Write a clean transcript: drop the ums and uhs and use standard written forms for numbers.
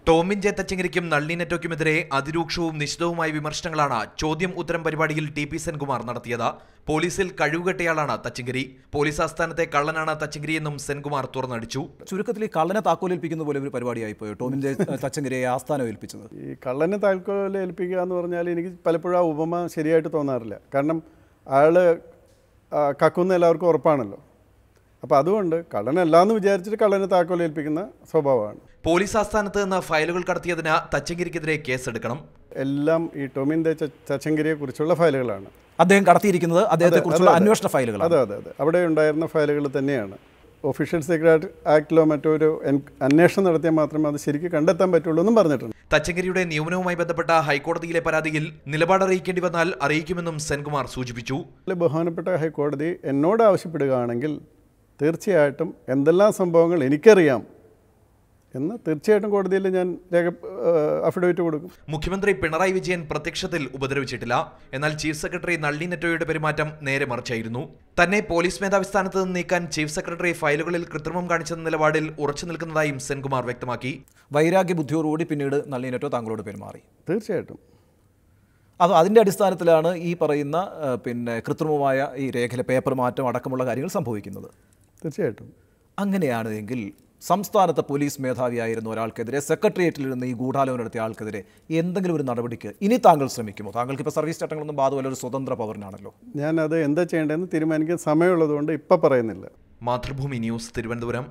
Tomin J തച്ചങ്കരിക്കും നളിനി നെറ്റോയ്ക്കുമെതിരെ അതിരൂക്ഷവും നിശിതവുമായ വിമർശനങ്ങളാണ് ചോദ്യം ഉത്തരം പരിപാടിയിൽ ടി.പി. സെൻകുമാർ നടത്തിയത്. പോലീസിൽ കഴിവുകെട്ടയാളാണ് തച്ചങ്കരി. പോലീസ് ആസ്ഥാനത്തെ കള്ളനാണ് തച്ചങ്കരിയെന്നും സെൻകുമാർ തുറന്നടിച്ചു. ചുരുക്കത്തിൽ ഈ കള്ളനെ താക്കോലേൽപ്പിക്കുന്ന പോലെ ഒരു പരിപാടിയായി പോയോ ടോമിൻ ജെ തച്ചങ്കരിയെ ആസ്ഥാനം ഏൽപ്പിച്ചത്? ഈ കള്ളനെ താക്കോലേൽപ്പിക്കുക എന്ന് പറഞ്ഞാൽ എനിക്ക് പലപ്പോഴും ആ ഉപമ ശരിയായിട്ട് തോന്നാറില്ല. കാരണം അയാൾ കക്കുന്ന എല്ലാവർക്കും ഉറപ്പാണല്ലോ. അപ്പോൾ അതുകൊണ്ട് കള്ളനല്ലാന്ന് വിചാരിച്ചിട്ട് കള്ളനെ താക്കോലേൽപ്പിക്കുന്ന സ്വഭാവമാണ്. പോലീസ് ആസ്ഥാനത്ത് നിന്ന് ഫയലുകൾ കടത്തിയതിന് തച്ചങ്കരിക്കെതിരെ കേസെടുക്കണം. എല്ലാം ഈ ടോമിൻ ജെ തച്ചങ്കരിയെ കുറിച്ചുള്ള ഫയലുകളാണ്. അദ്ദേഹം കടത്തിയിരിക്കുന്നത് അദ്ദേഹത്തെക്കുറിച്ചുള്ള അന്വേഷണ ഫയലുകൾ. അതെ, അവിടെ ഉണ്ടായിരുന്ന ഫയലുകൾ തന്നെയാണ്. ഒഫീഷ്യൽ സീക്രട്ട് ആക്ടിലോ മറ്റൊരു അന്വേഷണം നടത്തിയാൽ മാത്രമേ അത് ശരിക്കും കണ്ടെത്താൻ പറ്റുള്ളൂ എന്നും പറഞ്ഞിട്ടുണ്ട്. തച്ചങ്കരിയുടെ നിയമനവുമായി ബന്ധപ്പെട്ട ഹൈക്കോടതിയിലെ പരാതിയിൽ നിലപാട് അറിയിക്കേണ്ടി വന്നാൽ അറിയിക്കുമെന്നും സെൻകുമാർ സൂചിപ്പിച്ചു. ബഹുമാനപ്പെട്ട ഹൈക്കോടതി എന്നോട് ആവശ്യപ്പെടുകയാണെങ്കിൽ തീർച്ചയായിട്ടും എന്തെല്ലാം സംഭവങ്ങൾ എനിക്കറിയാം എന്ന് തീർച്ചയായിട്ടും കോടതിയിൽ ഞാൻ അഫിഡവിറ്റ് കൊടുക്കും. മുഖ്യമന്ത്രി പിണറായി വിജയൻ പ്രത്യക്ഷത്തിൽ ഉപദ്രവിച്ചിട്ടില്ല. എന്നാൽ ചീഫ് സെക്രട്ടറി നളിനി നെറ്റോയുടെ പെരുമാറ്റം നേരെ മറിച്ചായിരുന്നു. തന്നെ പോലീസ് മേധാവി സ്ഥാനത്ത് നിന്ന് നീക്കാൻ ചീഫ് സെക്രട്ടറി ഫയലുകളിൽ കൃത്രിമം കാണിച്ചെന്ന നിലപാടിൽ ഉറച്ചു നിൽക്കുന്നതായും സെൻകുമാർ വ്യക്തമാക്കി. വൈരാഗ്യ ബുദ്ധിയോടുകൂടി പിന്നീട് നളിനി നെറ്റോ താങ്കളോട് പെരുമാറി. തീർച്ചയായിട്ടും അതിൻ്റെ അടിസ്ഥാനത്തിലാണ് ഈ പറയുന്ന കൃത്രിമമായ ഈ രേഖയിലെ പേപ്പർ മാറ്റം അടക്കമുള്ള കാര്യങ്ങൾ സംഭവിക്കുന്നത്. തീർച്ചയായിട്ടും അങ്ങനെയാണ് എങ്കിൽ സംസ്ഥാനത്തെ പോലീസ് മേധാവിയായിരുന്ന ഒരാൾക്കെതിരെ സെക്രട്ടേറിയറ്റിൽ നിന്ന് ഈ ഗൂഢാലോചന നടത്തിയ ആൾക്കെതിരെ എന്തെങ്കിലും ഒരു നടപടിക്ക് ഇനി താങ്കൾ ശ്രമിക്കുമോ? താങ്കൾക്ക് ഇപ്പോൾ സർവീസ് ചട്ടങ്ങളൊന്നും ബാധകമല്ല, ഒരു സ്വതന്ത്ര പൗരനാണല്ലോ. ഞാനത് എന്താ ചെയ്യേണ്ടതെന്ന് തീരുമാനിക്കാൻ സമയമുള്ളതുകൊണ്ട് ഇപ്പം പറയുന്നില്ല. മാതൃഭൂമി ന്യൂസ്, തിരുവനന്തപുരം.